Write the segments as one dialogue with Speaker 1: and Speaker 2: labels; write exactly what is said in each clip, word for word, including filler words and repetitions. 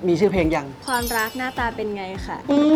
Speaker 1: มีชื่อเพลงยัง
Speaker 2: ความรักหน้าตาเป็นไงค่ะ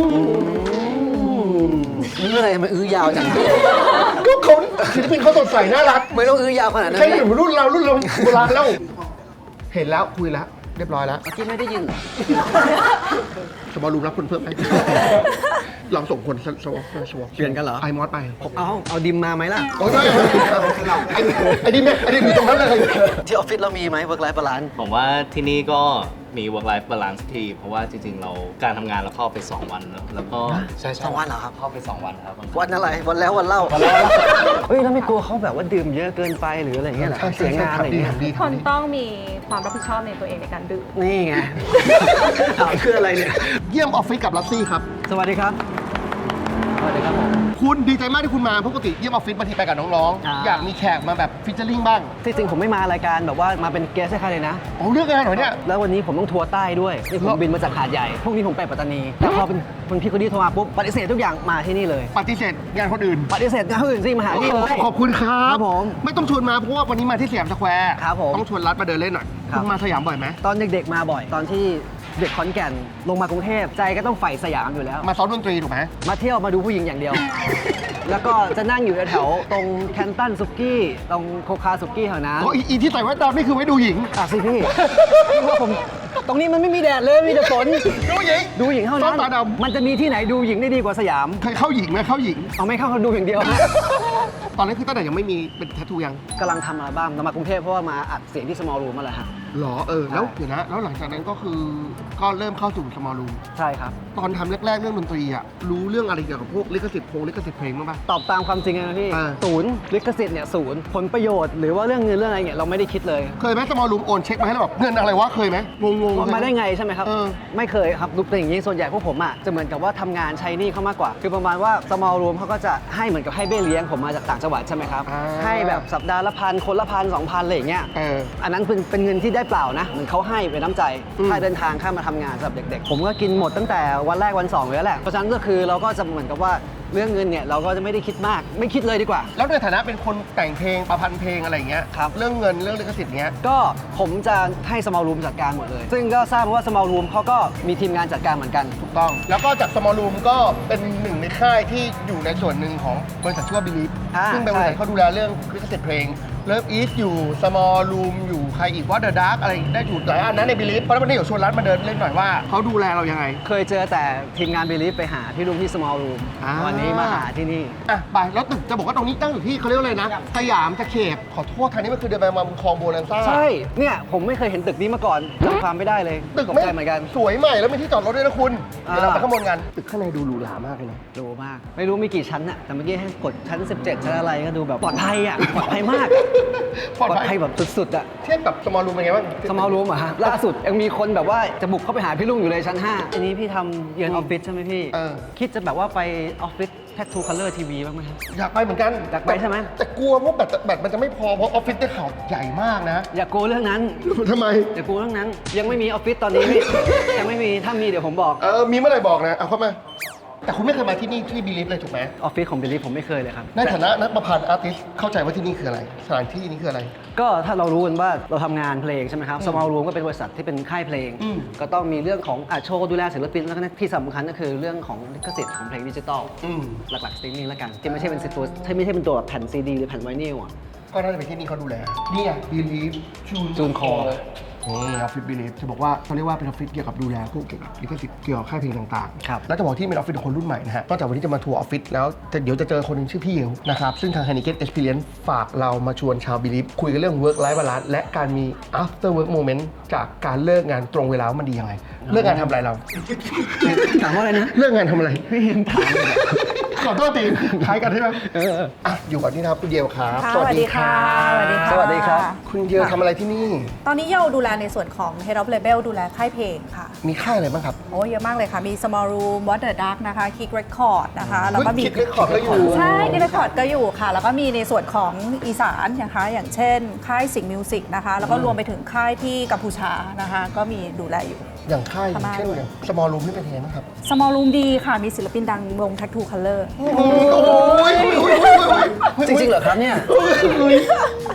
Speaker 1: เมื่อไรมันอื้อยาวจัง
Speaker 3: ก็เขาศิลปินเขาสดใสน่ารัก
Speaker 1: ไม่ต้องอื้อยาวขนาดนั้น
Speaker 3: ใช่หรือรุ่นเรารุ่นเราโบราณแล้ว เห็นแล้วคุยแล้วเรียบร้อยแล้ว
Speaker 1: เมื่อกี้ไม่ได้ยินเหรอ
Speaker 3: สมอลูมรับคนเพิ่มไหมเราส่งคนสวอปสวอป
Speaker 1: เปลี่ยนกันเหรอ
Speaker 3: ไอมอสไป
Speaker 1: เอาเอาดิมมาไหมล่ะ
Speaker 3: โอ้ยไอ้ดิมไอ้ดิมอยู่ตรงนั้นเลย
Speaker 1: ที่ออฟฟิศเรามีไหม work life balance
Speaker 4: ผมว่าที่นี่ก็มี work life balance ที่เพราะว่าจริงๆ เราการทำงานเราเข้าไป สอง วันแล้วแล้วก็ใช่
Speaker 1: สองวันเหรอครับ
Speaker 4: เข้าไป สอง วันครับ
Speaker 1: วันอะไร วันแล้ววันเล่าเฮ้ยแล้วไม่กลัวเขาแบบว่าดื่มเยอะเกินไปหรืออะไรอย่างเงี้ยเหรอเสียงานอะไรอย่างเงี้ย
Speaker 5: คนต้องมีความรับผิดชอบในตัวเองในการดื่ม
Speaker 1: นี่ไง ถามคืออะไรเนี่ย
Speaker 3: เยี่ยมออฟฟิศกับลัสซี่ครับ
Speaker 1: สวัสดีครับ สวัสดีครับผม
Speaker 3: คุณดีใจมากที่คุณมาปกติเยี่ยมออฟฟิศบางทีไปกับน้อง
Speaker 1: อ่า
Speaker 3: ๆ อยากมีแขกมาแบบฟิชเชอร์ลิงบ้าง
Speaker 1: ที่จริงผมไม่มารายการแบบว่ามาเป็นเกสให้ใครเลยนะ
Speaker 3: โอ้เรื่องงานเหรอเนี่ย
Speaker 1: แล้ววันนี้ผมต้องทัวร์ใต้ด้วย นี่ผมบินมาจากหาดใหญ่ พรุ่งนี้ผมไปปัตตานีแต่พอเป็นคนพี่คนนี้โทรมาปุ๊บ ปฏิเสธทุกอย่างมาที่นี่เลย
Speaker 3: ปฏิเสธงานคนอื่น
Speaker 1: ปฏิเสธงานอื่นสิมาหาที่เลย
Speaker 3: ขอบคุณครับ
Speaker 1: ครับผม
Speaker 3: ไม่ต้องชวนมาเพราะว่าวันนี้มาที่สยามสแควร์
Speaker 1: ครับผม
Speaker 3: ต้องชวนรัฐมาเดินเล่นหน่อย
Speaker 1: ครับ
Speaker 3: คุณมาสยามบ่อยไหม
Speaker 1: ตอนเด็กๆมาบ่อย ตอนที่เด็กขอนแก่นลงมากรุงเทพใจก็ต้องใฝ่สยามอยู่แล้ว
Speaker 3: มาซ้อมดนตรีถูกไหม
Speaker 1: มาเที่ยวมาดูผู้หญิงอย่างเดียว แล้วก็จะนั่งอยู่แถวๆตรงแคนตันซุกี้ ตรงโคคาซุกี้แถวนั้น
Speaker 3: อ๋ออีอีที่ใส่แว่นดำนี่คือไว้ดูหญิง
Speaker 1: อ่ะสิพี่ พี่ว่าผมตรงนี้มันไม่มีแดดเลยมีแต่ฝน
Speaker 3: ดูหญิง
Speaker 1: ดูหญิงเท่า
Speaker 3: ซ้อ
Speaker 1: นั้
Speaker 3: ม
Speaker 1: น
Speaker 3: ตาดำ
Speaker 1: มันจะมีที่ไหนดูหญิงได้ดีกว่าสยาม
Speaker 3: เคยเข้าหญิงไหมเข้าหญิง
Speaker 1: เอาไม่เข้าเขาดูอย่างเดียว
Speaker 3: ตอนนั้นคือตั้งแต่ยังไม่มีเป็นแทททูยัง
Speaker 1: กำลังทำอัลบั้มเรามากรุงเทพเพราะว่ามาอัดเสียงที่ small room มาแหละฮะ
Speaker 3: หรอเออแล้ว
Speaker 1: ใช่
Speaker 3: เดี๋ยวนะแล้วหลังจากนั้นก็คือก็เริ่มเข้าสู่สมอลรูม
Speaker 1: ใช่ครับ
Speaker 3: ตอนทำแรกๆเรื่องดนตรีอ่ะรู้เรื่องอะไรเกี่ยวกับพวกลิขสิทธิ์เพลงลิขสิทธิ์เพลงบ้างปะ
Speaker 1: ตอบตามความจริงเลยนะพี่
Speaker 3: อ่า
Speaker 1: ศูนย์ลิขสิทธิ์เนี่ยศูนย์ผลประโยชน์หรือว่าเรื่องเงินเรื่องอะไรเนี่ยเราไม่ได้คิดเลย
Speaker 3: เคยไหมสมอลรูมโอนเช็คมาให้เราแบบเงินอะไรวะเคยไหมงงๆ
Speaker 1: ว่ามาได้ไงใช่ไหมครับ
Speaker 3: เออ
Speaker 1: ไม่เคยครับดูเป็นอย่างนี้ส่วนใหญ่พวกผมอ่ะจะเหมือนกับว่าทำงานใช้หนี้เขามากกว่า คือประมาณว่า small room เขาก็จะให้เหมือนกับให้เบี้ยเลี้ยงผมมาจากต่างจังหวัดใช่ไหมครับ
Speaker 3: อ่า
Speaker 1: ให้แบบสัปดาห์ละพันคนละพันสองพันอะไรอย่างเงี้ย
Speaker 3: เออ
Speaker 1: อันนั้นเป็นเป็นเงินที่ได้เปล่านะเหมือนเขาให้เป็นน้ำใจ
Speaker 3: อืม
Speaker 1: ค่าเดินทางค่ามาทำงานสำหรับเด็กๆ ผมก็กินหมดตั้งแต่วันแรกวันสองเลยแหละเพราะฉะนั้นก็คือเราก็จะเหมือนกับว่าเรื่องเงินเนี่ยเราก็จะไม่ได้คิดมากไม่คิดเลยดีกว่า
Speaker 3: แล้วในฐานะเป็นคนแต่งเพลงประพันธ์เพลงอะไรอย่างเงี้ย
Speaker 1: ครับ
Speaker 3: เรื่องเงินเรื่องลิขสิทธิ์เงี้ย
Speaker 1: ก็ผมจะให้ small room จัดการหมดเลย ซึ่งก็ทราบมาว่า small room เขาก็มีทีมงานจัดการเหมือนกัน
Speaker 3: ถูกต้อง แล้วก็จาก small room ก็เป็นหนึ่งในค่ายที่อยู่ในส่วนหนึ่งของบริษัทชื่อว่า Believe
Speaker 1: อ่า
Speaker 3: ซึ่งเป็นบริษัท
Speaker 1: ใช่
Speaker 3: เขาดูแลเรื่องลิขสิทธิ์เพลงเลิฟอีทอยู่ small room อยู่ใครอีกว่า The Dark อะไรได้อยู่หลายอันนั้นใน Believe เพราะฉะนั้นวันนี้เดี๋ยวชวนรัฐมาเดินเล่นหน่อยว่าเขาดูแลเรายังไง
Speaker 1: เคยเจอแต่ทีมงาน Believe ไปหาที่รูมที่ small room
Speaker 3: อ่า
Speaker 1: วันนี้มาหาที่นี่
Speaker 3: อ่ะไปแล้วตึกจะบอกว่าตรงนี้ตั้งอยู่ที่เขาเรียกว่าอะไรนะสยามตะเข็บขอโทษทางนี้มันคือเดินไปมาบนคลองโบนันซ่า
Speaker 1: ใช่ เนี่ยผมไม่เคยเห็นตึกนี้มาก่อนจำความไม่ได้เลย
Speaker 3: ตึก
Speaker 1: ตก
Speaker 3: ไม่
Speaker 1: ใจเหมือนกัน
Speaker 3: สวยใหม่แล้วมีที่จอดรถด้วยนะคุณ
Speaker 1: อ่า
Speaker 3: เดี๋ยวเราไปข้างบนกันตึกข้างในดูหรูหรามากเลยนะ
Speaker 1: ดูมาก ไม่รู้มีกี่ชั้นอะแต่เมื่อกี้ให้กดชั้น สิบเจ็ด ชั้นอะไรก็ดูแบบปลอดภัยอะปลอดภัยมาก
Speaker 3: ปลอดภัย
Speaker 1: ภัยแบบสุดๆอะ
Speaker 3: เทียบกับสมอลรูมเป็นไงบ้าง
Speaker 1: สมอลรูมอะฮะล่าสุดยังมีคนแบบว่าจะบุกเข้าไปหาพี่ลุงอยู่เลยชั้นห้าอันนี้พี่ทำเยือนออฟฟิศใช่ไหมพี่
Speaker 3: เออ
Speaker 1: คิดจะแบบว่าไปออฟฟิศแททูคัลเลอร์ทีวีบ้างไหมครับ
Speaker 3: อยากไปเหมือนกัน
Speaker 1: อยากไปใช่ไหม
Speaker 3: แต่กลัวเพราะแบตแบตมันจะไม่พอเพราะออฟฟิศได้ข่าวใหญ่มากนะ
Speaker 1: อย่ากลัวเรื่องนั้น
Speaker 3: ทำไม
Speaker 1: อย่ากลัวเรื่องนั้น ยังไม่มีออฟฟิศตอนนี้พี่ ยังไม่มีถ้ามีเดี๋ยวผมบอก
Speaker 3: เออ มีเมื่อไหร่บอกนะ เอาเข้ามา แต่คุณไม่เคยมาที่นี่ที่บีลิฟเลยถูกไหม
Speaker 1: ออฟฟิศของบิลลี่ผมไม่เคยเลยครับ
Speaker 3: ในฐานะนักประพันธ์อาร์ติสเข้าใจว่าที่นี่คืออะไร สถานที่นี้คืออะไร
Speaker 1: ก็ถ้าเรารู้กันว่าเราทำงานเพลงใช่ไหมครับ Small Room ก็เป็นบริษัทที่เป็นค่ายเพลง
Speaker 3: อืม
Speaker 1: ก็ต้องมีเรื่องของอาโชว์ดูแลศิลปินแล้วก็ที่สำคัญก็คือเรื่องของลิขสิทธิ์ของเพลงดิจิตอล
Speaker 3: อืม
Speaker 1: หลักๆสตรีมมิ่งแล้วกัน ที่ไม่ใช่เป็นตัวที่ไม่ใช่เป็นตัวแบบแผ่นซีดีหรือแผ่นไวนิลอ่ะ
Speaker 3: ก็น่าจะเป็นที่นี่เขาดูแล นี่ไงบีลิฟจูน
Speaker 1: June Call
Speaker 3: นี่ออฟฟิศบีลิฟจะบอกว่าเขาเรียกว่าเป็นออฟฟิศเกี่ยวกับดูแลพวกเกี่ยวกับลิขสิทธิ์เกี่ยวกับค่ายเพลงต่างๆ
Speaker 1: ครับ
Speaker 3: แล้วจะบอกที่เป็นออฟฟิศของคนรุ่นใหม่นะฮะนอกจากวันนี้จะมาทัวร์ออฟฟิศแล้วแต่เดี๋ยวจะเจอคนหนึงชื่อพี่เอวนะครับ ซึ่งทาง Heineken Experience ฝากเรามาชวนชาวบีลิฟคุยกันเรื่อง work life balance และการมี after work moment จากการเลิกงานตรงเวลาว่ามันดียังไงเลิกงานทำอะไรเรา
Speaker 1: ถามว่าอะไรนะ
Speaker 3: เลิกงานทำอะไร
Speaker 1: ไม่เห็นถามเลย
Speaker 3: ขอโทษทีคล้ายกันใช่ไหม
Speaker 1: เออ
Speaker 3: อ่ะอยู่กับนี่นะครับคุณเยลครับ
Speaker 5: ค่ะสวัสดีค่ะสวัสดีค่ะ
Speaker 1: สวัสดีครับ
Speaker 3: คุณเยลทำอะไรที่นี่
Speaker 5: ตอนนี้เยลดูแลในส่วนของ Head of Label ดูแลค่ายเพลงค่ะ
Speaker 3: มีค่ายอะไรบ้างครับ
Speaker 5: โอ้เยอะมากเลยค่ะ มี Small Room What the Dark นะคะ Kick Record นะคะ แล้วก็มี
Speaker 3: Kick Record ก็อยู่
Speaker 5: ใช่ Kick Record ก็อยู่ค่ะ แล้วก็มีในส่วนของอีสานนะคะ อย่างเช่น ค่ายสิงห์มิวสิกนะคะ แล้วก็รวมไปถึงค่ายที่กัมพูชานะคะ ก็มีดูแลอยู่
Speaker 3: อย่างค่าย
Speaker 5: พม่า
Speaker 3: เช่น
Speaker 5: ด้วย
Speaker 3: อย่าง small room นี่เป็นยังไงบ้างครับ
Speaker 5: Small Room ดีค่ะ มีศิลปินดังวง Tattoo Color
Speaker 3: โอ้ย
Speaker 1: จริงๆเหรอครับเนี่ย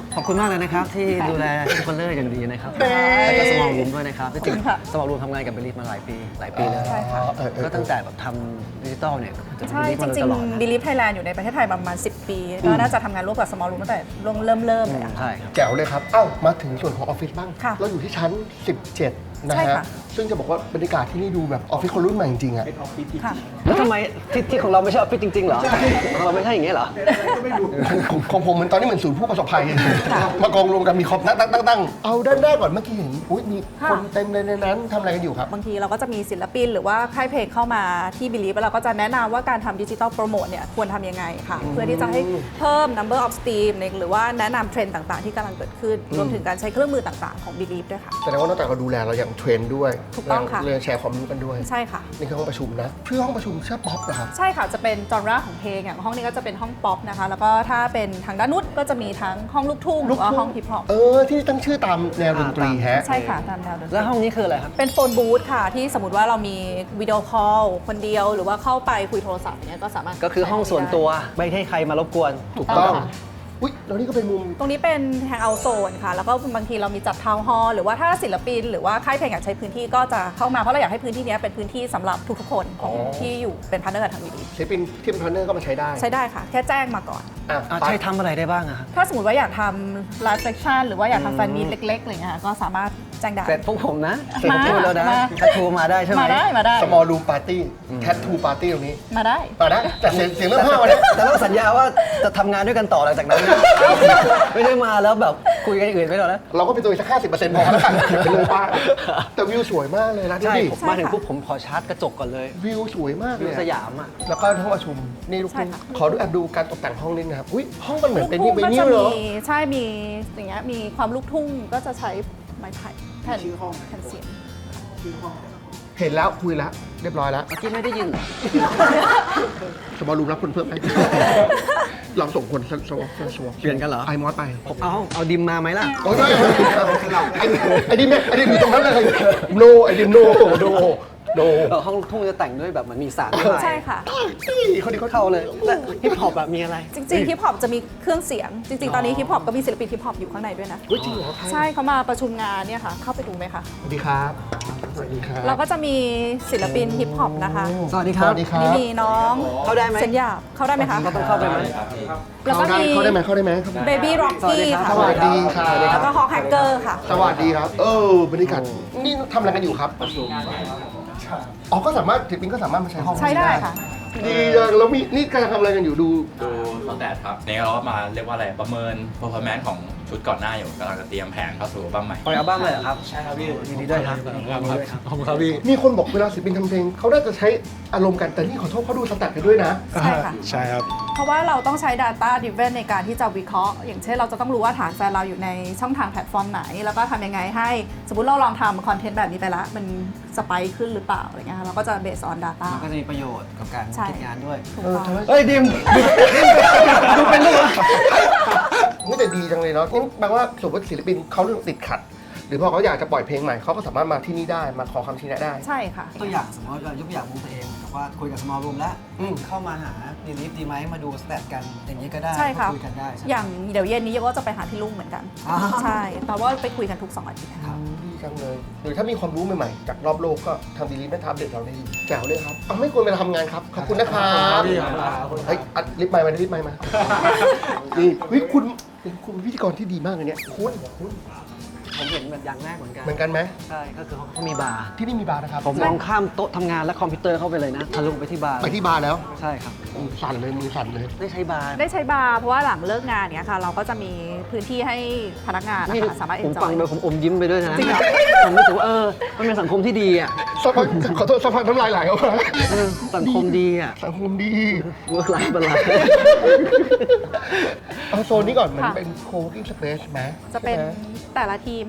Speaker 1: ขอบคุณมากเลยนะครับ ที่ดูแลทุกคนเลยอย่างดีนะครับแล้วก็สมองรูมด้วยนะครับจริงๆสมองรูมทำงานกับบิลลี่มาหลายปีหลายปีเลย
Speaker 5: ใช่ค่ะ
Speaker 3: เออเออ
Speaker 1: ก็ตั้งแต่แบบทำดิจิตอลเนี่ยจะ
Speaker 5: ใช่
Speaker 1: บิลลี่
Speaker 5: จ
Speaker 1: มาโดย
Speaker 5: ริ
Speaker 1: ต
Speaker 5: ง
Speaker 1: ลอดนะ
Speaker 5: ๆ Believe Thailand อยู่ในประเทศไทยประมาณ สิบ ปี ก็น่าจะทำงานร่วมกับ Small Room ตั้งแต่เริ่มเริ่มเริ่มเลยอะ
Speaker 1: ใช่ครับ
Speaker 3: แจ๋วเลยครับ เอ้า มาถึงส่วนของออฟฟิศบ้าง
Speaker 5: ค่ะ
Speaker 3: เราอยู่ที่ชั้น สิบเจ็ด นะ
Speaker 5: ใช่
Speaker 3: ฮะ
Speaker 5: ค่ะ
Speaker 3: ซึ่งจะบอกว่าบรรยากาศที่นี่ดูแบบออฟฟิศคนรุ่นใหม่จริงๆอะ
Speaker 5: ค่ะ
Speaker 1: แล้วทำไมที่ที่ของเราไม่ใช่ออฟฟิศจริงๆเหรอของเราไม่ใช่อย่างเงี้ยเหรอ
Speaker 3: ของของผมมันตอนนี้เหมือนศูนย์ผู้ประสบภัย มากองรวมกันมีคอมตั้งตั้งตั้งตั้งเอาด้านแรกก่อนเมื่อกี้เห็นอุ๊ยมีคนเต็มเลยในนั้นทำอะไรกันอยู่ครับ
Speaker 5: บางทีเราก็จะมีศิลปินหรือว่าค่ายเพลงเข้ามาที่ Believe แล้วเราก็จะแนะนำว่าการทำดิจิทัลโปรโมทเนี่ยควรทำยังไงค่ะ เพื่อที่จะให้เพิ่ม number of stream ในหรือว่าแนะนำเทรนด์ต่างๆ ที่กำลังเกิดขึ้น รวมถึงการใช้เครื่องมือต่างๆของ Believe ด้วยค่ะ
Speaker 3: แสดงว่านอกจากเราดูแลเราอย่างเทรนด้วย
Speaker 5: ถูกต้องค่ะ
Speaker 3: เรื่องแชร์ความรู้กันด้วย
Speaker 5: ใช่ค่ะ
Speaker 3: นี่คือห้องประชุมนะชื่อห้องประชุมชื่อป๊อปเหรอครับ
Speaker 5: ใช่ค่ะ จะเป็นจอนราของเพลงอย่างห้องนี้ก็จะเป็นห้องป๊อปนะคะ แล้วก็ถ้าเป็นทางด้านนู้นก็จะมีทั้งห้องลูกทุ่งหรือว่าห้องฮิปฮอป
Speaker 3: เออ ที่ตั้งชื่อตามแนวดนตรีแฮะ
Speaker 5: ใช่ค่ะตามแนวดนตรี
Speaker 1: แล้วห้องนี้คืออะไรครับ
Speaker 5: เป็นโฟนบูธค่ะ ที่สมมติว่าเรามีวิดีโอคอลคนเดียวหรือว่าเข้าไปคุยโทรศัพท์อย่างเนี้ยก็สามารถ
Speaker 1: ก็คือห้องส่วนตัวไม่ให้ใครมารบกวน
Speaker 3: ถูกต้อง อุ๊ย แล้วนี่ก็เป็นมุม
Speaker 5: ตรงนี้เป็นแฮงเอาท์โซนค่ะ แล้วก็บางทีเรามีจัดทาวน์ฮอลล์หรือว่าถ้าศิลปิน หรือว่าค่ายเพลงอยากใช้พื้นที่ก็จะเข้ามาเพราะเราอยากให้พื้นที่เนี้ยเป็นพื้นที่สำหรับทุกๆคนของที่อยู่เป็นพาร์ทเนอร์กับทางวีดี
Speaker 3: ศิลปินที่เป็นพาร์ทเนอร์ก็มาใช้ได้
Speaker 5: ใช้ได้ค่ะ แค่แจ้งมาก่อน
Speaker 3: อ่ะ
Speaker 1: อ่ะ
Speaker 3: ไป
Speaker 1: ใช่ทำอะไรได้บ้างอะครับ
Speaker 5: ถ้าสมมติว่าอยากทำไลฟ์เซสชั่นหรือว่าอยากทำแฟนมีตเล็กๆอะไรเงี้ยค่ะก็สามารถแจ้งได้
Speaker 1: เสร็จพวกผมนะ
Speaker 5: มา
Speaker 1: พูดแล้วนะ
Speaker 5: มา
Speaker 1: ถ้าทัวร์มาได้ใช่ไหม
Speaker 5: มาได้มาได้
Speaker 3: small room party tattoo party ตรงนี้
Speaker 5: มาได้
Speaker 3: มาได้แต่เสียงเสียงเรื่องห้าวันนี้
Speaker 1: แต่ต้องสัญญาว่าจะทำงานด้วยกันต่อหลังจากนั้นนะ ไม่ได้มาแล้วแบบคุยกันอย่างอื่นไม่หรอกนะ
Speaker 3: เราก็เป็นตัวอีกสักห้าสิบเปอร์เซ็นต์พอแล้วกันเป็นเลยป้าแต่วิวสวยมากเลยนะดู
Speaker 1: ใช่
Speaker 3: ดิ
Speaker 1: ผมมาถึงปุ๊บผมขอชาร์จกระจกก่อนเลย
Speaker 3: วิวสวยมาก
Speaker 1: วิ
Speaker 3: เล
Speaker 1: วย ส
Speaker 3: อะ
Speaker 1: ยามอ่ะ
Speaker 3: แล้วก็ห้องประชุมนี่ลูก
Speaker 5: ใช่
Speaker 3: คุณ
Speaker 5: ค่ะ
Speaker 3: ขอดูแอบดูการตกแต่งห้องนิดนะครับอุ้ยห้องมันเหมือนเป็น
Speaker 5: ลู
Speaker 3: นี่
Speaker 5: ก
Speaker 3: เป็น
Speaker 5: ทุ่งก็
Speaker 3: นี่
Speaker 5: จะ
Speaker 3: เหร
Speaker 5: มี
Speaker 3: อ
Speaker 5: ใช่มีอย่างเงี้ยมีความลูกทุ่งก็จะใช้ไม้ไผ่แผ่นแผ่นเสียง
Speaker 3: เห็นแล้วคุยแล้วเรียบร้อยแล้ว
Speaker 1: เมื่อกี้ไม่ได้ยินเหรอ
Speaker 3: สมอลรูมรับคนเพิ่มไหมเราส่งคนสวอปสวอป
Speaker 1: เปลี่ยนกันเหรอ
Speaker 3: ไอมอสไป
Speaker 1: ผมเอาเอาดิมมาไหมล่ะ
Speaker 3: โอ้ยไอ้ดิมไอ้ดิมอยู่ตรงนั้นเลยโนไอ้ดิมโนโนโน
Speaker 1: เออห้องลูกทุ่งจะแต่งด้วยแบบเหมือนมีสารด้วย
Speaker 5: ใช่ค่ะ
Speaker 3: คนนี้เขา
Speaker 1: เข้าเลยและฮิปฮอปแบบมีอะไร
Speaker 5: จริงๆฮิปฮอปจะมีเครื่องเสียง จริง ๆ ตอนนี้ฮิปฮอปก็มีศิลปินฮิปฮอปอยู่ข้างในด้วยนะ
Speaker 3: อุ้ยจริงเหรอใคร
Speaker 5: ใช่เขามาประชุมงานเนี่ยค่ะ เข้าไปดูไหมคะ
Speaker 3: สวัสดีครับสวัสดีครับ
Speaker 5: เราก็จะมีศิลปินฮิปฮอปนะคะ
Speaker 1: สวัสดีค
Speaker 3: ส
Speaker 1: รับ
Speaker 3: วัสดีครั
Speaker 5: นี่
Speaker 3: บ
Speaker 5: มีน้อง
Speaker 1: เข้าได้ไหม
Speaker 5: เซนหยาบเข้าได้ไหมคะ
Speaker 1: ก็ต้องเข้าไปไหม
Speaker 5: แล้วก็
Speaker 3: เข้าได้
Speaker 5: มี
Speaker 3: เข้าได้ไหมเข้าได้ไหม
Speaker 5: เบบี้ร็อกกี้ค่ะ
Speaker 3: สวัสดีครับ
Speaker 5: แล้วก็ฮอกแฮกเกอร์ค่ะ
Speaker 3: สวัสดีครับ เออบรรยากาศนี่ทำอะไรกันอยู่ครับประชุมอ๋อก็สามารถศิลปินก็สามารถมาใช้ห้อง
Speaker 5: ใช้ได้ค่ะ
Speaker 3: ดีจังแล้วมีนี่กำลังทำอะไรกันอยู่ดู
Speaker 6: ดูสแตทครับนี่เราก็มาเรียกว่าอะไรประเมิน performance ของชุดก่อนหน้าอยู่กำลังจะเตรียมแผนเข้าสู่อัลบั้มใหม่
Speaker 1: ปล่อยอัลบั้มเลยเหรอครับ ใช่ครับพี่ยินดีด้วยครับขอบคุณครับพี่
Speaker 3: มีคนบอกเวลาศิลปินทำเพลงเขาน่าจะใช้อารมณ์กันแต่นี่ขอโทษเขาดูสแตทกันด้วยนะ
Speaker 5: ใช่ค่ะ
Speaker 7: ใช่ครับ
Speaker 5: เพราะว่าเราต้องใช้ Data Driven ในการที่จะวิเคราะห์ อย่างเช่นเราจะต้องรู้ว่าฐานแฟนเราอยู่ในช่องทางแพลตฟอร์มไหน แล้วก็ทำยังไงให้ สมมติเราลองทำคอนเทนต์แบบนี้ไปแล้ว มันสไปค์ขึ้นหรือเปล่าอะไรเงี้ยค่ะเราก็จะ based on data
Speaker 1: มันก็จะมีประโยชน์กับการ
Speaker 5: ใช่
Speaker 1: คิดงานด้วย
Speaker 5: ถูกต้อง
Speaker 1: เฮ้ยดิมดูเป็นลูก
Speaker 3: นี่แต่ดีจังเลยเนาะนี่แปลว่าสมมติศิลปินเขาติดขัด หรือพอเขาอยากจะปล่อยเพลงใหม่เขาก็สามารถมาที่นี่ได้มาขอคำชี้แนะได้
Speaker 5: ใช่ค่ะ
Speaker 1: ตัวอย่างสมมติเรายกตัวอย่างวงตัวเองแบบว่าคุยกับ small room แล้ว
Speaker 3: อืม
Speaker 1: เข้ามาหาดีลิฟดีไหมมาดูสแตทกันอย่างนี้ก็ได้
Speaker 5: ใช่ค่ะ
Speaker 1: คุยกันได้ใช่ไหม
Speaker 5: อย่างเดี๋ยวเย็นนี้ก็จะไปหาที่ลุงเหมือนกัน
Speaker 1: อ่า
Speaker 5: ใช่แต่ว่าไปคุยกันทุกสองอาทิตย์ค่ะ
Speaker 3: ดีจังเลย หรือถ้ามีความรู้ใหม่ๆ จากรอบโลกก็ทางดีลีไม่ทับเด็ดเราได้ดีแจ๋วเลยครับเอาไม่ควรไปทำงานครับ ขอบคุณนะครับเฮ้ยอัดลิฟต์ไมค์มาลิฟต์ไมค์มานี่เฮ้ยคุณเป็นคุณพิธีกรที่ดีมากเลยเนี่ยคุณคุณ
Speaker 1: ผมเห็นแบบอย่างแรกเหมือนกัน
Speaker 3: เหมือนกันไหม
Speaker 1: ใช่ก็คือเขามีบาร์
Speaker 3: ที่นี่มีบาร์นะครับ
Speaker 1: ผมมองข้ามโต๊ะทำงานและคอมพิวเตอร์เข้าไปเลยนะทะลุไปที่บาร์
Speaker 3: ไปที่บาร์แล้ว
Speaker 1: ใช่ครับ
Speaker 3: อืมสั่นเลยมือสั่นเลย
Speaker 1: ได้ใช้บาร์
Speaker 5: ได้ใช้บาร์เพราะว่าหลังเลิกงานเนี้ยค่ะ เราก็จะมีพื้นที่ให้พนักงานนะ
Speaker 1: นี่
Speaker 5: คะสามารถ
Speaker 1: ผมฟัง
Speaker 5: enjoy
Speaker 1: โดยผมอมยิ้มไปด้วยนะ
Speaker 5: จริงเหรอ
Speaker 1: ผมรู้สึกว่าเออมันเป็นสังคมที่ดีอ่ะ
Speaker 3: สักพักขอโทษสักพักน้ำลายไหลออกมา
Speaker 1: เออสังคมดีอ่ะ
Speaker 3: สังคมดี
Speaker 1: work life balance
Speaker 3: เอาโซนนี้ก่อนเหมือน
Speaker 5: ค่ะ
Speaker 3: เป็น co-working space ไหม
Speaker 5: จะเป็น
Speaker 3: ใช่ไหม
Speaker 5: แต่ละทีม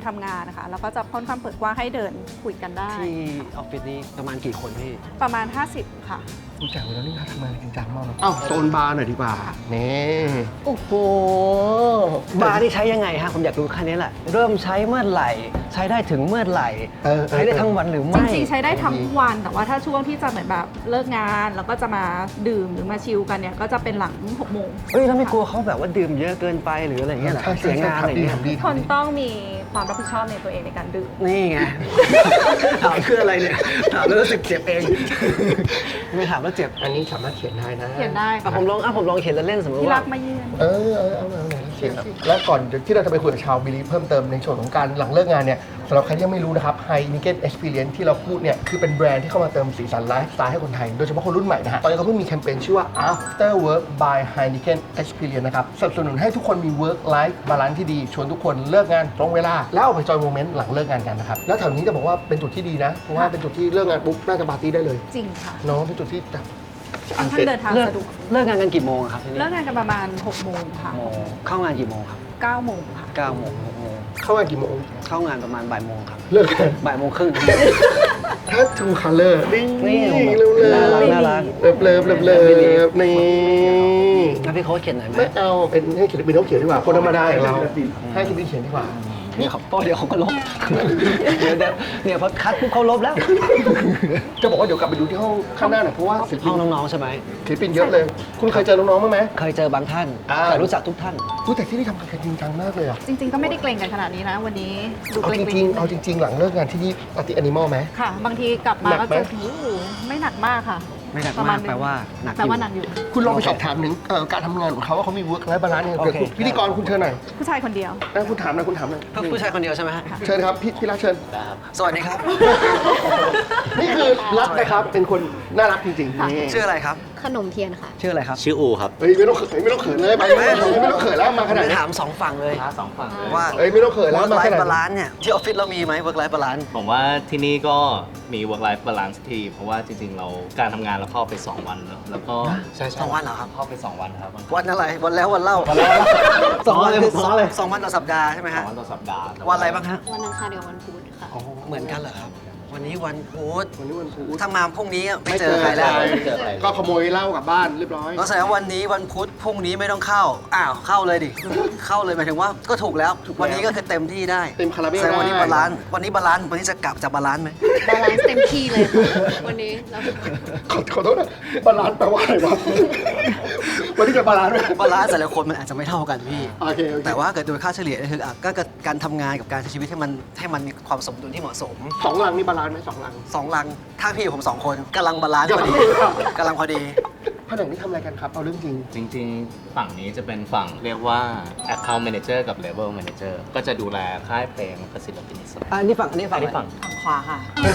Speaker 5: ทำงานนะคะแล้วก็จะค่อนข้างเปิดกว้างให้เดินคุยกันได้
Speaker 1: ที่ออฟฟิศนี้ประมาณกี่คนพี่
Speaker 5: ประมาณ ห้าสิบ ค่ะ
Speaker 3: รู้จักแล้วนี่เขาทำงานจริงจังมากเลยอ้าวโซนบาร์หน่อยดีกว่านี่โอ้โห
Speaker 1: บาร์ที่ใช้ยังไงฮะผมอยากรู้แค่นี้แหละ เริ่มใช้เมื่อไหร่ ใช้ได้ถึงเมื่อไหร่
Speaker 3: เออเออ
Speaker 1: ใช้ได้ทั้งวันหรือ
Speaker 5: จ
Speaker 1: ไม่
Speaker 5: ริงๆใช้ได้ทั้งวัน แต่ว่าถ้าช่วงที่จะเหมือนแบบเลิกงานแล้วก็จะมาดื่มหรือมาชิลกันเนี่ยก็จะเป็นหลังหกโมง
Speaker 1: เฮ้ยแล้วไม่กลัวเขาแบบว่าดื่มเยอะเกินไปหรืออะไรอย่างเงี้ยเหรอ
Speaker 3: ใช่
Speaker 1: เสียงานอะไรอย่างเงี้ย
Speaker 3: ทำดี
Speaker 5: ค
Speaker 3: ทำ
Speaker 5: น
Speaker 3: ดี
Speaker 5: ต้องมีความรับผิดชอบในตัวเองในการดื่ม
Speaker 1: นี่ไง ถามคืออะไรเนี่ย ถามแล้วรู้สึกเจ็บเอง ไม่ถามแล้วเจ็บ
Speaker 3: อันนี้สามารถเขียนได้นะ
Speaker 5: เขียนได้
Speaker 1: อ่ะผมลองอ่ะผมลองเขียนเล่นๆสมมติ
Speaker 5: ที่
Speaker 1: ว่า
Speaker 5: รักมาเยือน
Speaker 3: เออเออเอาเอาเอาเขียนครับแล้วก่อนที่เราจะไปคุยกับชาวบิลีฟเพิ่มเติมในส่วนของการหลังเลิกงานเนี่ยสำหรับใครที่ยังไม่รู้นะครับ Heineken Experience ที่เราพูดเนี่ยคือเป็นแบรนด์ที่เข้ามาเติมสีสันไลฟ์สไตล์ให้คนไทย โดยเฉพาะคนรุ่นใหม่นะฮะตอนนี้เขาเพิ่งมีแคมเปญชื่อว่า After Work by Heineken Experience นะครับสนับสนุนให้ทุกคนมี work life balance ที่ดีชวนทุกคนเลิกงานตรงเวลาแล้วเอาไปจอยโมเมนต์หลังเลิกงานกันนะครับแล้วแถวนี้จะบอกว่าเป็นจุดที่ดีนะเพราะว่าเป็นจุดที่เลิกงานปุ๊บน่าจะปาร์ตี้ได้เลย
Speaker 5: จริงค่ะ
Speaker 3: เนาะเป็นจุดที่แบบ
Speaker 5: ค่อนข้างเดินทาง
Speaker 1: เลิก
Speaker 5: สะดวก
Speaker 1: เลิกงานกันกี่โมงอะครับที่นี่
Speaker 5: เลิกงานกันประมาณหกโมงค่ะ
Speaker 1: โมงเข้างานกี่โมงครับ
Speaker 5: เก้าโมงค่ะ
Speaker 1: เก้าโมงหกโมง
Speaker 3: เข้างานกี่โมง
Speaker 1: เข้างานประมาณบ่ายโมงครับ
Speaker 3: เลิกงาน
Speaker 1: บ่ายโมงครึ่ง
Speaker 3: ถ้า True Color นี่
Speaker 1: นี่
Speaker 3: เร็วๆ
Speaker 1: น่ารักน่ารัก
Speaker 3: เลิฟเลิฟเลิฟเลิฟนี่
Speaker 1: งั้นพี่โค้ชเขียนหน่อยไหม
Speaker 3: ไม่เอาเป็นให้ศิลปินเขาเขียนดีกว่าคนธรรมดาอย่างเราให้ศิลปินเขียนดีกว่า
Speaker 1: นี่เขาเพราะเดี๋ยวเขาก็ลบ เดี๋ยวเดี๋ยวเนี่ยพอคัดปุ๊บเขาลบแล้ว
Speaker 3: จะบอกว่าเดี๋ยวกลับไปดูที่ห้องข้างหน้าหน่อยเพราะว่าศิลปิ
Speaker 1: ห้อน งน้องๆใช่ไหม
Speaker 3: ศิลปินเยอะเลย คุณเคยเจอน้องๆบ้างไหม
Speaker 1: เคยเจอบางท่าน
Speaker 3: อ่า
Speaker 1: แต่รู้จักทุกท่าน
Speaker 3: รู้แต่ที่นี่ทำงานกันจริงจังมากเลยอ่ะ
Speaker 5: จริงๆ ก็ไม่ได้เกรงกันขนาดนี้นะ วันนี้ดู
Speaker 3: เอา
Speaker 5: เกร
Speaker 3: จ
Speaker 5: งๆ
Speaker 3: ริงๆเอาจริง ๆ หลังเลิกงานที่นี่ปฏิแอนิมอลไหม
Speaker 5: ค่ะ บางทีกลับมา
Speaker 3: หนั
Speaker 5: ก็
Speaker 3: กไหม
Speaker 5: จะโอ้โหไม่หนักมากค่ะ
Speaker 1: ไม่หนัก
Speaker 5: ประ
Speaker 1: มาก
Speaker 5: ณ
Speaker 1: แปลว่าหนัก
Speaker 5: แปลว่า
Speaker 1: อยู่
Speaker 5: หนักอยู่
Speaker 3: คุณลองไปสอบถามถึงเอ่อการทำงานของเขาว่าเขามี work life balance ยังไง
Speaker 1: โอ
Speaker 3: เกิด
Speaker 1: เค
Speaker 3: พิธีกรคุณเชิญหน่อย
Speaker 5: ผู้ชายคนเดียว
Speaker 3: นะคุณถามหนะคุณถามหน่อย
Speaker 1: เพื่อผู้ชายคนเดียวใช่ไหมฮะ
Speaker 3: เชิญครับพี่พี่รักเชิญ
Speaker 1: สวัสดีครับ
Speaker 3: นี่คือรักนะครับเป็นคนน่ารักจริงๆนี่
Speaker 1: ชื่ออะไรครับ
Speaker 2: ขนมเทียนค่ะ
Speaker 1: ชื่ออะไรครับ
Speaker 4: ชื่ออูครับ
Speaker 3: เฮ้ยไม่ต้องเขินไม่ต้องเขินเลยไปไม่ไม่ต้องเขินแล้วมาขนาด
Speaker 1: ไม่
Speaker 3: นี้
Speaker 1: ถามสองฝั่งเลย
Speaker 4: ท้าสองฝั่งเลย
Speaker 1: ว่า
Speaker 3: เอ้ยไม่ต้องเขินแล้ว
Speaker 1: work
Speaker 3: มาข
Speaker 1: life
Speaker 3: นาดนี้
Speaker 1: balance เนี่ยที่ออฟฟิศเรามีไหม work life balance
Speaker 4: ผมว่าที่นี่ก็มี work life balance ที่ เพราะว่าจริงๆ เราการทำงานเราเข้าไป สอง วันเนอะแล้วก็ใช่
Speaker 1: สองวันเหรอครับ
Speaker 4: เข้าไป สอง วันครับ
Speaker 1: วันอะไร วันแล้ววันเล่าสองวันคือสองสองวันต่อสัปดาห์ใช่ไหม
Speaker 4: สอ
Speaker 1: ฮะ
Speaker 4: งวันต่อสัปดาห์แต่
Speaker 1: วันอะไรบ้างฮะ
Speaker 2: วันอังคารกับวันพุธค่ะ
Speaker 1: เหมือนกันเหรอครับ วันนี้วันพุธ
Speaker 3: วันนี้วันพุธ
Speaker 1: ถ้ามาพรุ่งนี้ไม่เจอใครแล้ว
Speaker 4: ไม่เจอใคร
Speaker 3: ก็ขโมยเหล้ากลับบ้านเรียบร้อย
Speaker 1: ก็แสดงว่าวันนี้วันพุธพรุ่งนี้ไม่ต้องเข้า อ้าวเข้าเลยดิ เข้าเลยหมายถึงว่าก็ถูกแล้ว วันนี้ก็คือเต็มที่ได้
Speaker 3: เต็มคาราเบล
Speaker 1: แสดงวันนี้
Speaker 3: ได้
Speaker 1: บาลานซ์วันนี้บาลานซ์วันนี้จะกลับจะบาลานซ์ไหม
Speaker 2: บาลานซ์เต็มที่เลยค่ะ วันนี้แล้ว
Speaker 3: ขอขอโทษนะบาลานซ์แปลว่าอะไรวะ วันนี้จะบาลานซ์ไหม
Speaker 1: บาลานซ์แต่ละคนมันอาจจะไม่เท่ากันพี่
Speaker 3: โอเคโอเค
Speaker 1: แต่ว่าเกิดโดยค่าเฉลี่ยก็คืออ่ะก็การทำงานกับการใช้ชีวิตให้มันให้มันมีความสมดุลที่เหมาะสม
Speaker 3: สองลังนี่บาลานซ์ไหมสองลัง
Speaker 1: สองลังถ้าพี่ผมสองคนกำลังบาลานซ์พอดีกำลังพอดี
Speaker 3: ผนังนี่ทำอะไรกันครับ เอาเรื่องจริง
Speaker 4: จริงๆ ฝั่งนี้จะเป็นฝั่งเรียกว่า account manager กับ level manager ก็จะดูแลค่ายเพลงและศิลปินอิสระ
Speaker 1: อันนี้ฝั่งอันนี้ฝั่ง
Speaker 4: อันนี้ฝั่ง
Speaker 5: ฝั่งขวาค่ะ